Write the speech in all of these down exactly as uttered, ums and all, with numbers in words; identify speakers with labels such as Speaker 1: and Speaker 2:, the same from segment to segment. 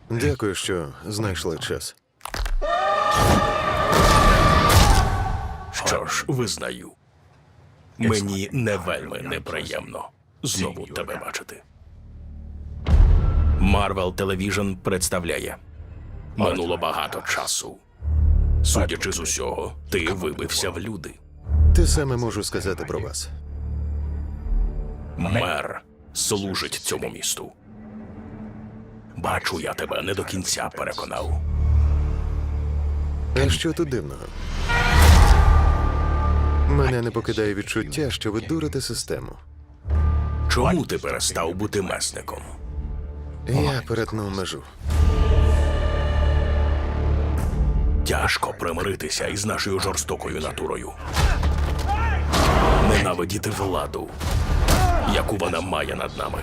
Speaker 1: Дякую, що знайшли час.
Speaker 2: Що ж, визнаю. Мені не вельми неприємно знову тебе бачити. Marvel Television представляє. Минуло багато часу. Судячи з усього, ти вибився в люди.
Speaker 1: Те саме можу сказати про вас.
Speaker 2: Мер служить цьому місту. Бачу, я тебе не до кінця переконав.
Speaker 1: А що тут дивного? Мене не покидає відчуття, що ви дурите систему.
Speaker 2: Чому ти перестав бути месником?
Speaker 1: Я перетнув межу.
Speaker 2: Тяжко примиритися із нашою жорстокою натурою. Ненавидіти владу, яку вона має над нами.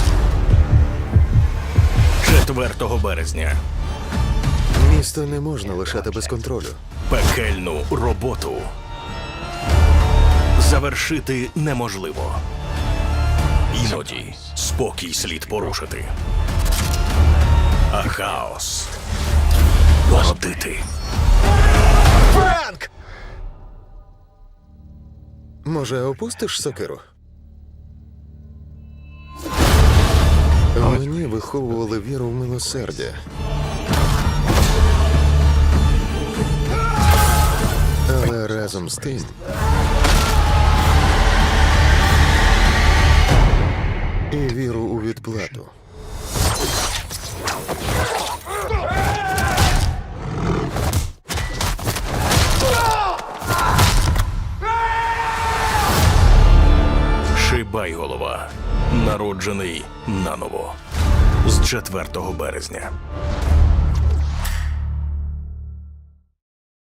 Speaker 2: четвертого березня.
Speaker 1: Місто не можна лишати без контролю.
Speaker 2: Пекельну роботу завершити неможливо. Іноді спокій слід порушити. А хаос породити.
Speaker 1: Франк! Може, опустиш сокиру? Мені виховували віру в милосердя. Але разом з тим і віру у відплату.
Speaker 2: Шибайголова. Народжений наново. З четвертого березня.